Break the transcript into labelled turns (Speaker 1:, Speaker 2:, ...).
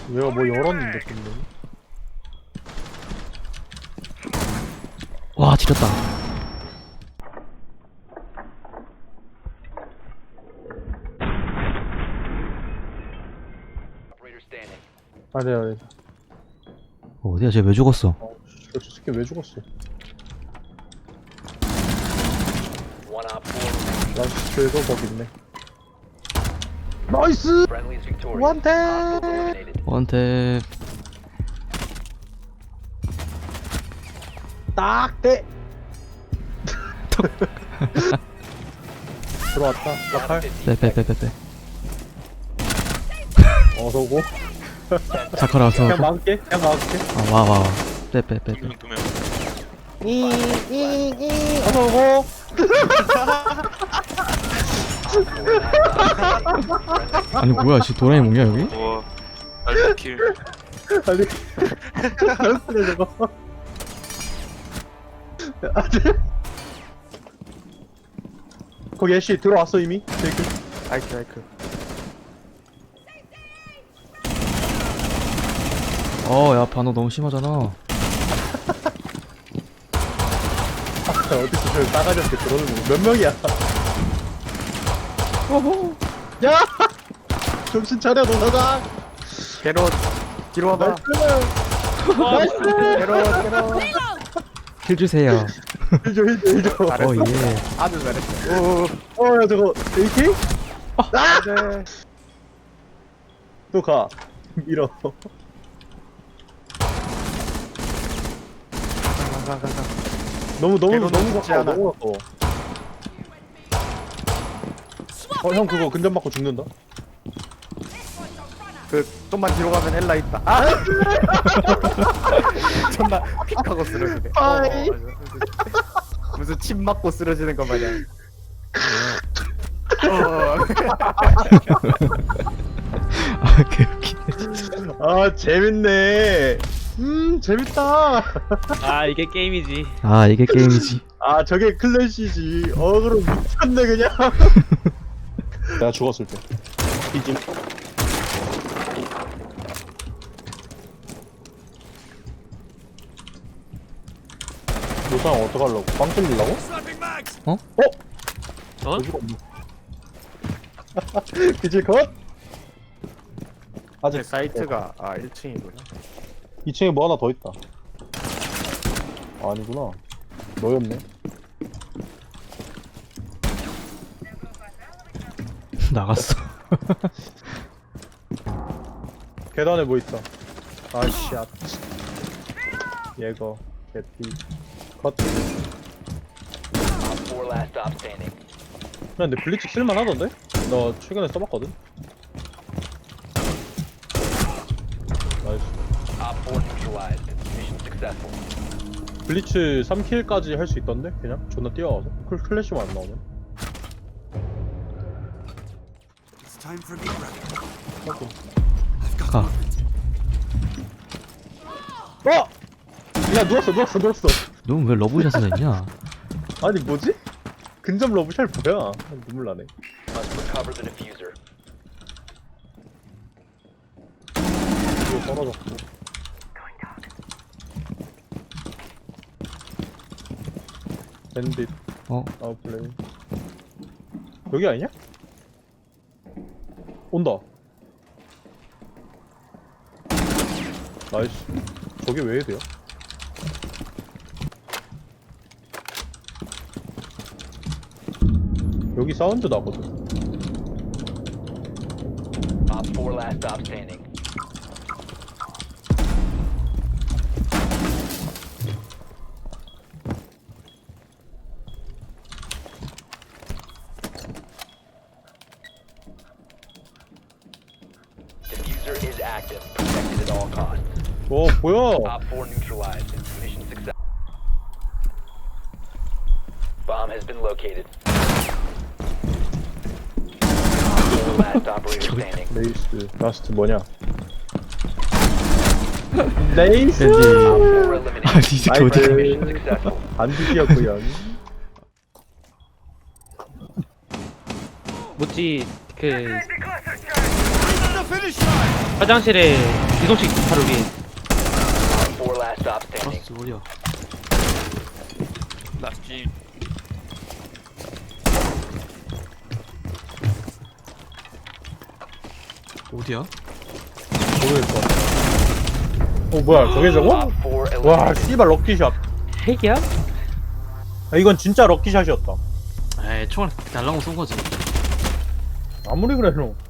Speaker 1: 얘가 뭐 열었는데 근데.
Speaker 2: 와 지렸다.
Speaker 1: 아니야.
Speaker 2: 어디야 쟤 왜 죽었어?
Speaker 1: 저 새끼 왜 죽었어? 나이스, 그래도 거기 있네. 나이스! 원탭!
Speaker 2: 원탭.
Speaker 1: 딱 대! 들어왔다. 라칼.
Speaker 2: 빼빼빼빼빼.
Speaker 1: 어서고.
Speaker 2: 자카라 와서.
Speaker 1: 그냥 막을게. 그냥 막을게.
Speaker 2: 아 와와. 빼빼빼빼.
Speaker 3: 두 명.
Speaker 1: 어서고.
Speaker 2: 아니 뭐야 씨 도라이 뭐냐 여기?
Speaker 3: 와, 알파킬.
Speaker 1: 아니. 잘했네, 저거. 거기 애쉬 들어왔어, 이미? 제이크. 아이크.
Speaker 2: 어야 반응 너무 심하잖아.
Speaker 1: 어디서 저 싸가지 없게 들어오는 거. 몇 명이야? 야! 정신 차려, 노사장!
Speaker 4: 게롯 뒤로 와봐.
Speaker 1: 나이스!
Speaker 4: 게롯
Speaker 2: 킬 주세요.
Speaker 1: 힐줘.
Speaker 4: 잘했어.
Speaker 2: 어 예.
Speaker 4: 아주 잘했어.
Speaker 1: 야, 저거, AK?
Speaker 4: 네.
Speaker 1: 또 가. 밀어.
Speaker 4: 가.
Speaker 1: 너무
Speaker 4: 걔도
Speaker 1: 가까워,
Speaker 4: 죽지 않아.
Speaker 1: 너무 가까워. 형 그거 근접 맞고 죽는다?
Speaker 4: 그 좀만 뒤로 가면 엘라 있다. 아! 존나 픽하고 쓰러지네.
Speaker 1: 아이.
Speaker 4: 무슨 침 맞고 쓰러지는 거 마냥.
Speaker 2: 아 개웃기네.
Speaker 1: 아, 재밌네. 재밌다.
Speaker 5: 아 이게 게임이지.
Speaker 2: 아 이게 게임이지.
Speaker 1: 아, 저게 클래시지. 그럼 미쳤네, 그냥. 내가 죽었을 때. 이지. 노상 어떡하려고? 빵 찔리려고?
Speaker 2: 어?
Speaker 5: 어?
Speaker 1: 여기가 없네. 비질 컷? 아직
Speaker 4: 사이트가 1층이구나.
Speaker 1: 2층에 뭐 하나 더 있다. 아니구나. 너였네.
Speaker 2: 나갔어.
Speaker 1: 계단에 뭐 있다. 아씨, 아. 얘거, 개피, 컷. 근데 블리츠 쓸만하던데? 나 최근에 써봤거든? 나이스. 블리츠 3킬까지 할 수 있던데? 그냥? 존나 뛰어와서? 클래시만 안 나오면?
Speaker 2: 가.
Speaker 1: 어! 야, 누웠어.
Speaker 2: 넌 왜 러브샷을 했냐?
Speaker 1: 아니, 뭐지? 근접 러브샬 뭐야? 눈물 나네. 이거 떨어졌고. 밴딧,
Speaker 2: 어?
Speaker 1: 아웃플레이. 여기 아니냐? 온다. 나이스. 저게 왜 해야 돼요? 여기 사운드 나거든. 오, 뭐야?
Speaker 6: Bomb has been located. Last operator standing.
Speaker 1: 레이스, 라스트 뭐냐? 레이스!
Speaker 2: 밴디.
Speaker 6: Four eliminated.
Speaker 2: 아, 이 새끼 어디 가?
Speaker 6: Mission successful.
Speaker 1: 반드시였구요.
Speaker 5: 뭐지 그 화장실에 이동식 바로 위에.
Speaker 6: 4 last stop standing.
Speaker 2: 버스 어디야?
Speaker 5: 라스트.
Speaker 2: 어디야?
Speaker 1: 모르겠어. 뭐야 저게 저거?
Speaker 6: Op 4
Speaker 1: 와
Speaker 6: eliminated.
Speaker 1: 씨발 럭키샷.
Speaker 5: 핵이야?
Speaker 1: 아, 이건 진짜 럭키샷이었다.
Speaker 2: 에이 총알 달라고 쏜 거지.
Speaker 1: 아무리 그래도